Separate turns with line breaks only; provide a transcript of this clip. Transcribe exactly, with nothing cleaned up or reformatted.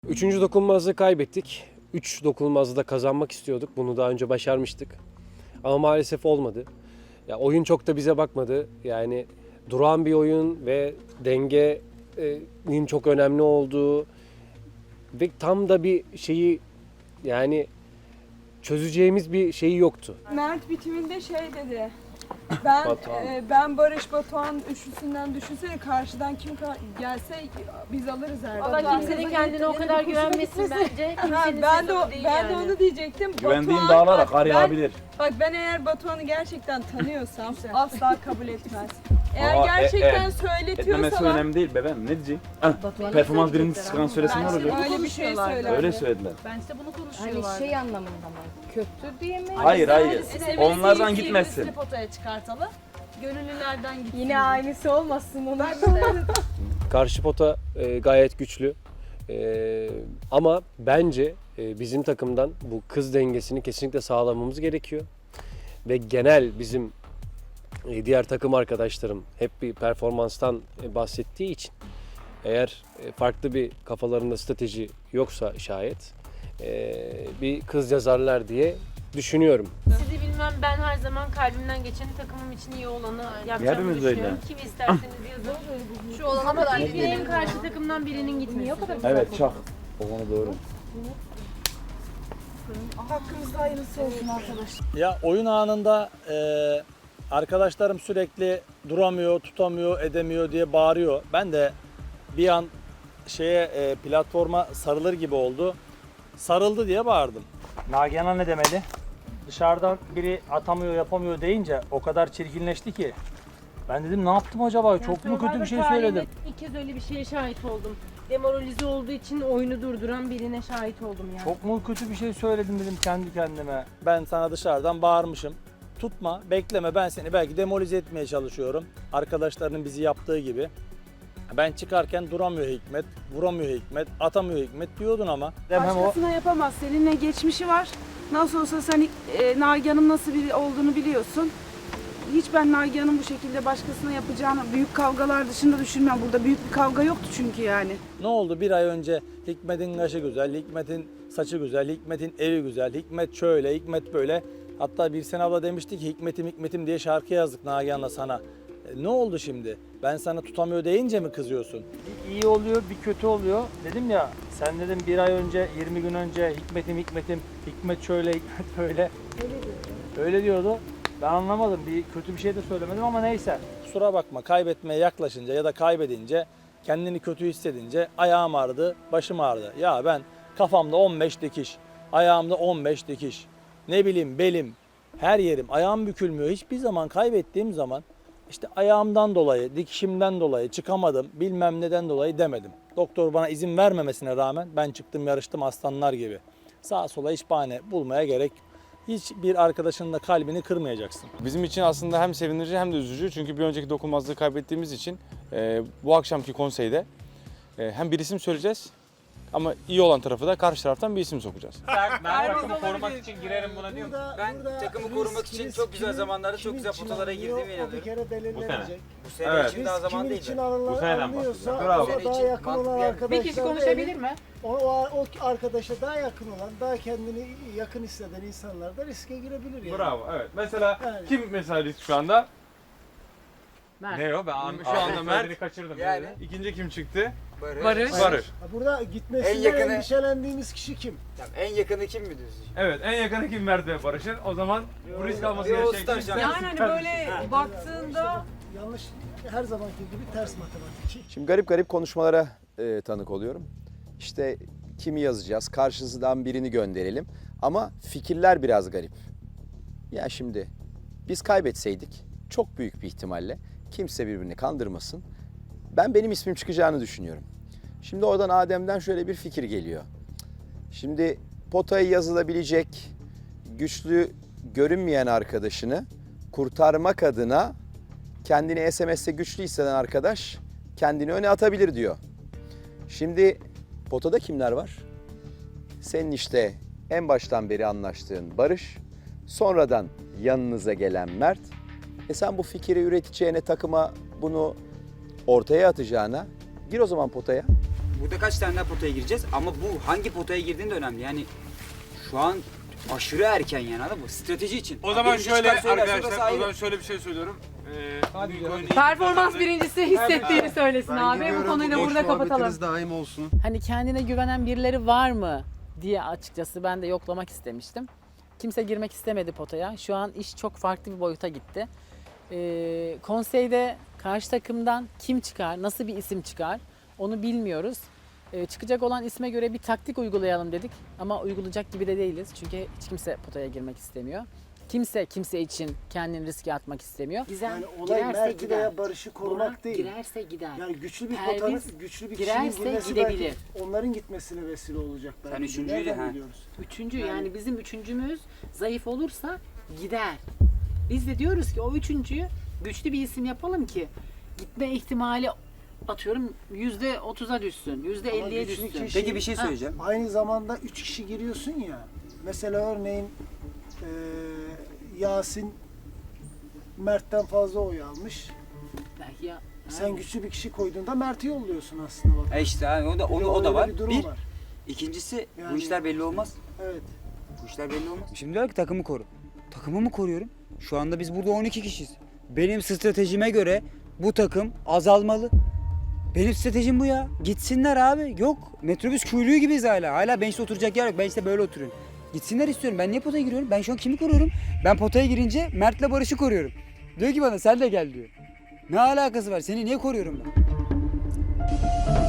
Üçüncü dokunulmazlığı kaybettik. Üç dokunulmazlığı da kazanmak istiyorduk. Bunu daha önce başarmıştık. Ama maalesef olmadı. Ya oyun çok da bize bakmadı. Yani duran bir oyun ve dengenin çok önemli olduğu ve tam da bir şeyi yani çözeceğimiz bir şeyi yoktu.
Mert bitiminde şey dedi. Ben
Batuhan.
e, ben Barış Batuhan üçlüsünden düşünsene karşıdan kim ka- gelse biz alırız her
Valla
zaman.
kimsenin kendine o kadar güvenmesin bence.
Ha,
Kimsenin
ben de o-
sezonu değil
ben de
yani.
onu diyecektim.
Güvendiğim
Batuhan-
dağlar
bak,
arayabilir.
Ben, bak ben eğer Batuhan'ı gerçekten tanıyorsam asla kabul etmez. Eğer
Aa, e-
gerçekten
e- Etmemesi
söyletiyorsalar
önemli değil bebeğim. Ne diyeceksin? Heh, performans birini sıkan söylesin ne
ben
olacak?
öyle bir şey söylerdim.
Öyle söylediler.
Bence bunu
Hani
konuşuyorlar.
şey anlamında mı? Kötü diye mi?
Hayır hayır.
Sevgilisi
Onlardan
iki
gitmesin.
birisini potaya çıkartalı. Gönüllülerden gitsin.
Yine aynısı olmasın onun.
Karşı pota e, gayet güçlü. E, ama bence e, bizim takımdan bu kız dengesini kesinlikle sağlamamız gerekiyor. Ve genel bizim e, diğer takım arkadaşlarım hep bir performanstan e, bahsettiği için eğer e, farklı bir kafalarında strateji yoksa şayet e, bir kız yazarlar diye düşünüyorum.
Sizi bilmem, ben her zaman kalbimden geçeni, takımım için iyi olanı yapacağımı
Hepimiz
düşünüyorum.
öyle.
Kimi isterseniz yazın. Şu olana kadar dilerim karşı takımdan birinin gitmesi.
Evet çak. O konu doğru.
Hakkımızda hayırlısı olsun arkadaşlar.
Ya oyun anında e, arkadaşlarım sürekli duramıyor, tutamıyor, edemiyor diye bağırıyor. Ben de bir an şeye e, platforma sarılır gibi oldu. Sarıldı diye bağırdım. Nagihan'a ne demeli? Dışarıdan biri atamıyor, yapamıyor deyince o kadar çirkinleşti ki. Ben dedim ne yaptım acaba? Çok mu kötü bir şey söyledim?
İlk kez öyle bir şeye şahit oldum. Demoralize olduğu için oyunu durduran birine şahit oldum yani.
Çok mu kötü bir şey söyledim dedim kendi kendime. Ben sana dışarıdan bağırmışım. Tutma, bekleme, ben seni belki demolize etmeye çalışıyorum. Arkadaşlarının bizi yaptığı gibi. Ben çıkarken duramıyor Hikmet, vuramıyor Hikmet, atamıyor Hikmet diyordun ama. Hem o
Başkasına yapamaz. Seninle geçmişi var. Nasıl olsa sen e, Nagihan'ın nasıl biri olduğunu biliyorsun. Hiç ben Nagihan'ın bu şekilde başkasına yapacağını büyük kavgalar dışında düşünmem. Burada büyük bir kavga yoktu çünkü yani.
ne oldu bir ay önce Hikmet'in kaşı güzel, Hikmet'in saçı güzel, Hikmet'in evi güzel, Hikmet şöyle, Hikmet böyle. Hatta bir sene abla demişti ki Hikmet'im Hikmet'im diye şarkı yazdık Nagihan'la sana. E, ne oldu şimdi? Ben sana tutamıyor deyince mi kızıyorsun? Bir iyi oluyor, bir kötü oluyor. Dedim ya, sen dedim bir ay önce, yirmi gün önce Hikmet'im Hikmet'im, Hikmet şöyle, Hikmet böyle. Öyle diyordu. Ben anlamadım. Bir kötü bir şey de söylemedim ama neyse. Kusura bakma, kaybetmeye yaklaşınca ya da kaybedince, kendini kötü hissedince ayağım ağrıdı, başım ağrıdı. Ya ben kafamda on beş dikiş, ayağımda on beş dikiş, ne bileyim belim, her yerim, ayağım bükülmüyor. Hiçbir zaman kaybettiğim zaman işte ayağımdan dolayı, dikişimden dolayı çıkamadım, bilmem neden dolayı demedim. Doktor bana izin vermemesine rağmen ben çıktım yarıştım aslanlar gibi. Sağa sola hiç bahane bulmaya gerek yok. Hiçbir arkadaşının da kalbini kırmayacaksın.
Bizim için aslında hem sevindirici hem de üzücü. Çünkü bir önceki dokunulmazlığı kaybettiğimiz için e, bu akşamki konseyde e, hem bir isim söyleyeceğiz ama iyi olan tarafı da karşı taraftan bir isim sokacağız.
Ben takımı korumak için girerim buna diyorum. Ben takımı korumak için çok güzel zamanlarda çok güzel potalara girdiğime
Bir
inanıyorum.
kere belirlenecek.
Bu sene
Evet.
için daha zaman
Kimin
değil.
için
de.
alınır,
Bu seneden
alınıyorsa
bahsediyorum.
ona
Bravo.
daha
Senin
yakın
için
olan
mantıklı.
arkadaşlar
Bir kişi konuşabilir mi?
O, o, o arkadaşa daha yakın olan, daha kendini yakın hisseden insanlar da riske girebilir yani.
Bravo, evet. Mesela
Yani.
kim mesela risk şu anda?
Mert.
Ne o? Ben an- şu anda Mert'i kaçırdım.
Yani.
İkinci kim çıktı?
Barış.
Barış.
Barış.
Ha, burada gitmesinden
En yakını-
endişelendiğimiz kişi kim?
Tamam, en yakını kim mi diyorsun?
Evet, en yakını kim Mert ve Barış'ın? O zaman bu risk alması
Yo,
gereken
Star
kim?
Şampiyon.
Yani hani böyle baktığında
Yanlış, her zamanki gibi ters matematik.
Şimdi garip garip konuşmalara e, tanık oluyorum. İşte kimi yazacağız, karşısından birini gönderelim. Ama fikirler biraz garip. Ya şimdi biz kaybetseydik çok büyük bir ihtimalle kimse birbirini kandırmasın. Ben benim ismim çıkacağını düşünüyorum. Şimdi oradan Adem'den şöyle bir fikir geliyor. Şimdi potaya yazılabilecek güçlü görünmeyen arkadaşını kurtarmak adına kendini S M S'te güçlü hisseden arkadaş kendini öne atabilir diyor. Şimdi potada kimler var? Senin işte en baştan beri anlaştığın Barış, sonradan yanınıza gelen Mert. E sen bu fikri üreteceğine, takıma bunu ortaya atacağına gir o zaman potaya.
Burada kaç tane daha potaya gireceğiz ama bu hangi potaya girdiğin de önemli. Yani şu an aşırı erken yani, anladın mı? Strateji için.
O zaman
Birinci
şöyle
çıkan söyler,
arkadaşlar,
sonrası
o
ayrı.
zaman şöyle bir şey söylüyorum. Ee,
Hadi
büyük
ya.
oyunu iyi
Performans
kazandı.
birincisi hissettiğini söylesin abi. Bu konuyu da burada kapatalım.
daim olsun.
Hani kendine güvenen birileri var mı diye açıkçası ben de yoklamak istemiştim. Kimse girmek istemedi potaya. Şu an iş çok farklı bir boyuta gitti. Ee, konseyde karşı takımdan kim çıkar, nasıl bir isim çıkar onu bilmiyoruz. Ee, çıkacak olan isme göre bir taktik uygulayalım dedik ama uygulayacak gibi de değiliz. Çünkü hiç kimse potaya girmek istemiyor. Kimse kimse için kendini riske atmak istemiyor. Gizem
Yani olay
girerse
Mert'i
gider.
veya Barış'ı korumak
Burak
değil.
girerse gider.
Yani güçlü bir
Perviz
potanın, güçlü bir kişinin
girerse
girmesi
gidebilir.
belki onların gitmesine vesile olacak belki.
Sen üçüncüydü,
Nereden
ha.
biliyoruz?
Üçüncü
Yani-
yani bizim üçüncümüz zayıf olursa gider. Biz de diyoruz ki o üçüncüyü güçlü bir isim yapalım ki gitme ihtimali atıyorum yüzde otuza düşsün, yüzde
Ama
elliye
güçlü
düşsün.
kişi-
Peki bir şey
Ha.
söyleyeceğim.
Aynı zamanda üç kişi giriyorsun ya. Mesela örneğin eee, Yasin Mert'ten fazla oy almış.
Belki ya.
Sen güçlü bir kişi koyduğunda Mert'i yolluyorsun aslında bak.
E işte abi, o da, o,
Bir de
da- o da
öyle
var.
bir durum
Bir,
var.
ikincisi bu
Yani-
işler belli olmaz.
Evet.
Bu işler belli olmaz. Şimdi diyor ki takımı koru. Takımı mı koruyorum? Şu anda biz burada on iki kişiyiz. Benim stratejime göre bu takım azalmalı. Benim stratejim bu ya. Gitsinler abi. Yok. Metrobüs kuyruğu gibiyiz hala. Hala bench'te oturacak yer yok. Ben işte böyle oturuyorum. Gitsinler istiyorum. Ben niye potaya giriyorum? Ben şu an kimi koruyorum? Ben potaya girince Mert'le Barış'ı koruyorum. Diyor ki bana sen de gel diyor. Ne alakası var? Seni niye koruyorum ben?